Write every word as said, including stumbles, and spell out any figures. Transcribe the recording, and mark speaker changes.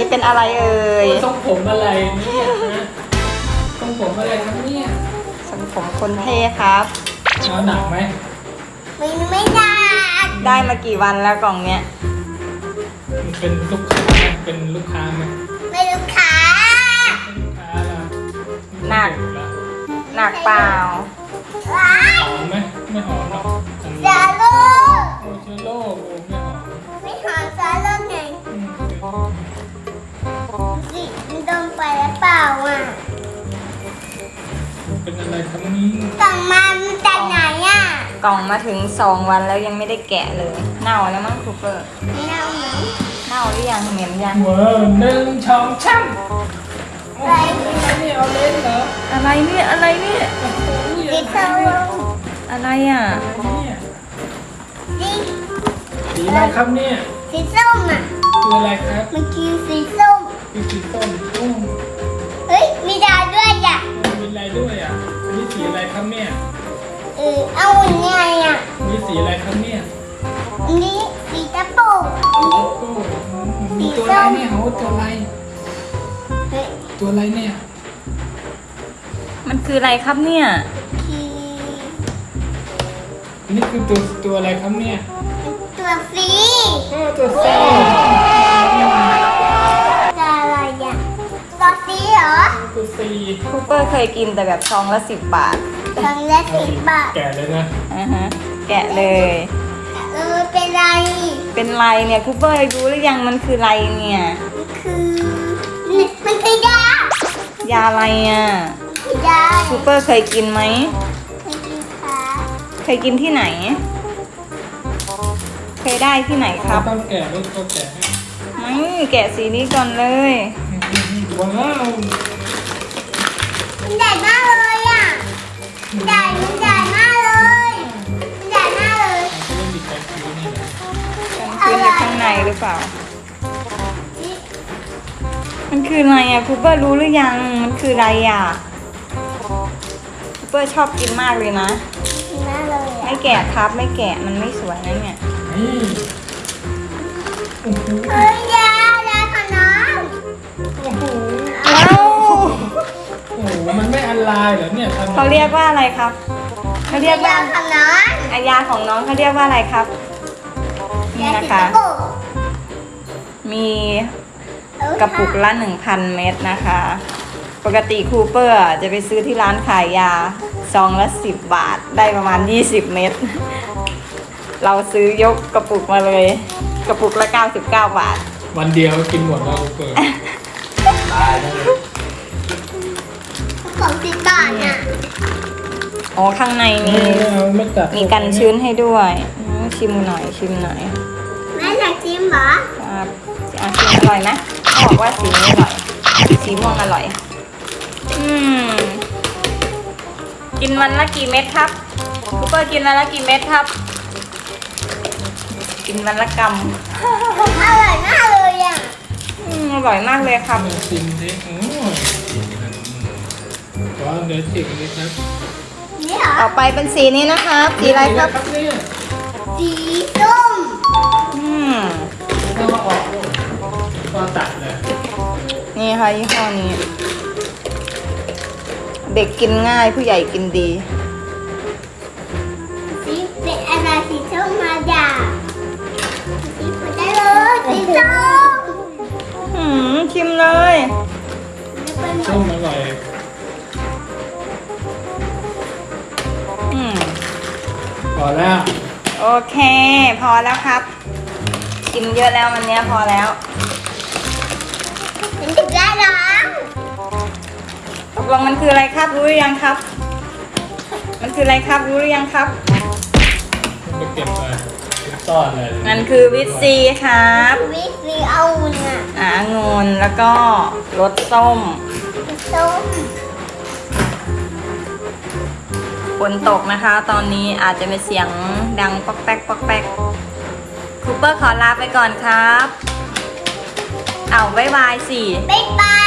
Speaker 1: นี้เป็นอะไรเอ่ย
Speaker 2: ทรงผมอะไรเนี่ยฮะทรงผมอะไรครับเนี่ย
Speaker 1: ทรงผมคนเท่ครับ
Speaker 2: เอาหนักไหม
Speaker 3: ไม่ไม่ได้
Speaker 1: ได้มากี่วันแล้วกล่องเนี้ย
Speaker 2: มันเป็นลูกค้าไหมเป็นลูกค้าไหม
Speaker 3: ไม่ลูกค้า
Speaker 2: เป็นลูกค้าละ
Speaker 1: หนัก หนักเปล่า
Speaker 3: ว้าย
Speaker 2: หอมไหมไม่หอมหรอก
Speaker 3: ซาลู
Speaker 2: โอ้เชื้อโรคโอ้ไม่หอม
Speaker 3: ไม่หอมซาลูไง
Speaker 2: อืม
Speaker 3: สิมันโดนไปแล้วเปล่าอ่ะ
Speaker 2: เป็นอะไรครับนี่
Speaker 3: กล่องมามันจากไหนอ่ะ
Speaker 1: กล่องมาถึงสองวันแล้วยังไม่ได้แกะเลย เน่าแล้วมั้งคูเปอร์
Speaker 3: ไม่เอาหนู
Speaker 1: เน่าหรือยังเหม็นยัง
Speaker 2: เวอร์หนึ่งช่องช่ำอะไรนี่เอาเล่นเหรอ
Speaker 1: อะไรเนี่ยอะไรเนี่ย
Speaker 2: โอ้โห
Speaker 3: สีส้ม
Speaker 1: อะไรอ่ะ
Speaker 2: เนี่ย
Speaker 3: สี
Speaker 2: สีอะไรครับเนี่ย
Speaker 3: สีส้มอ่ะ
Speaker 2: คืออะไรครับ
Speaker 3: มันคือสีส้ม
Speaker 2: คือสีส้มโอ้
Speaker 3: เฮ้ยมีดาวด้วยอ่ะ
Speaker 2: มีอะไรด้วยอ่ะอันนี้สีอะไรครับเนี่ย
Speaker 3: เออเอาไงอ่ะ
Speaker 2: มีสีอะไรครับเนี่ย
Speaker 3: อันนี้สีตะปูอันนี้
Speaker 2: โอ้มีตัวอะไรเนี่ยโอ้ตัวอะไร
Speaker 3: เฮ้ย
Speaker 2: ตัวอะไรเนี่ย
Speaker 1: มันคืออะไรครับเนี่ย
Speaker 3: คือ
Speaker 2: อันนี้คือตัวตัวอะไรครับเนี่ย
Speaker 3: ตัวฟรี
Speaker 2: โอ้ตัวสี
Speaker 3: ตัวอะไรอ่ะตัวฟรีเหรอ
Speaker 2: ตัวสี
Speaker 1: คูเปอร์เคยกินแต่แบบซองละสิบบาท
Speaker 3: ครั้งละสิบบาท
Speaker 2: แก่เลยนะ
Speaker 1: อ่าฮะแกะเลย
Speaker 3: เออเป็นไร
Speaker 1: เป็นไรเนี่ยคูเปอร์รู้หรือยังมันคืออะไรเนี่ย
Speaker 3: มันคือมันคือยาย
Speaker 1: าอะไรอ่ะ
Speaker 3: คือยา
Speaker 1: คูเปอร์เคยกินไหม
Speaker 3: คือกินขา
Speaker 1: เคยกินที่ไหน เคยได้ที่ไหนครับ
Speaker 2: ต้องแก่ด้วยต้องแก่ให้
Speaker 1: ไม่แกะสีนี้ก่อนเลย
Speaker 2: ว้าว
Speaker 3: มันใหญ่มากเลยอ่ะใหญ่มันใหญ่มากเลยมันใหญ่มากเลย
Speaker 2: จะเล่นดิบแบบนี้นี่นะ
Speaker 1: มันคืออยู่ข้างในหรือเปล่า มันคืออะไรอ่ะคูเปอร์รู้หรือยัง มันคืออะไรอ่ะคูเปอร์ชอบกินมากเลยนะ
Speaker 3: กินมากเลย
Speaker 1: ไม่
Speaker 3: อ่ะ
Speaker 1: แกะครับไม่แกะมันไม่สวยนะเนี่ย
Speaker 2: นี่โอ้โห
Speaker 3: เฮ้ยยายาของน้อง
Speaker 2: โอ้โห
Speaker 1: เอ้า
Speaker 2: โอ้โหมันไม่อันลายเหรอเนี่ยทำแบบ
Speaker 1: เขาเรียกว่าอะไรครับเขาเรียกว่าย
Speaker 3: าของน้อง
Speaker 1: อายาของน้องเขาเรียกว่าอะไรครับนี่
Speaker 3: ยา
Speaker 1: นะ
Speaker 3: สี
Speaker 1: คะ
Speaker 3: ตะปู
Speaker 1: มี
Speaker 3: เออก
Speaker 1: ระปุกละ หนึ่งพัน เม็ดนะคะ ปกติคูเปอร์จะไปซื้อที่ร้านขายยาซองละสิบบาทได้ประมาณยี่สิบเม็ดเราซื้อยกกระปุกมาเลย กระปุกละเก้าสิบเก้าบาท
Speaker 2: วันเดียวกินหมดแล้วเปิดตายแล้วเลย
Speaker 3: ของสิบบาทน่ะ
Speaker 1: อ๋อข้างในมี
Speaker 2: ไม่เอาไม่กัด
Speaker 1: มีกันชื้นให้ด้วยอืมชิมหน่อยชิมหน่อย
Speaker 3: แม่อยากชิมเหรอ
Speaker 1: ครับอ่ะชิมอร่อยไหมเขาบอกว่าสีนี้อร่อย สีม่วงอร่อย อืม กินวันละกี่เม็ดครับคูเปอร์กินวันละกี่เม็ดครับ กินวันละก
Speaker 3: อร่อยมากเลยอ่ะ
Speaker 1: ำอืมอร่อยมากเลยครับ
Speaker 2: ลองชิมดิโอ้ยก็เดี๋ยวจิกนิดนะ
Speaker 3: นี่เหรอ
Speaker 1: ต่อไปเป็นสีนี้นะครับสีอะไรครับ
Speaker 2: เนี่ย
Speaker 3: สีส้ม
Speaker 1: อืม
Speaker 2: ต้องมาออกก็ตัดเลย
Speaker 1: นี่ค่ะยี่ห้อนี้ เด็กกินง่ายผู้ใหญ่กินดี
Speaker 3: สีเป็นอะไรสีส้มมาจากสีผุดได้เลยสีส้ม
Speaker 1: หืมชิมเลย
Speaker 3: แล้วเป็น
Speaker 2: ส้มอร่อย
Speaker 1: อืม
Speaker 2: พอแล้ว
Speaker 1: โอเค พอแล้วครับ กินเยอะแล้ววันเนี้ยพอแล้ว
Speaker 3: เป็นถึงได้น้อง
Speaker 1: ตกลงมันคืออะไรครับ รู้หรือยังครับ มันคืออะไรครับ รู้หรือยังครับ
Speaker 2: ไปเก็บมาซ่อนเลย
Speaker 1: มันคือวิตซีครับ
Speaker 3: วิสีเอาอุ่นอ่ะ
Speaker 1: อ่าองุ่นแล้วก็รสส้ม
Speaker 3: สีส้ม
Speaker 1: ฝนตกนะคะ ตอนนี้อาจจะมีเสียงดังป๊อกแป๊กป๊อกแป๊กคูเปอร์ขอลาไปก่อนครับ เอาบ๊ายบายสิ
Speaker 3: บ๊ายบาย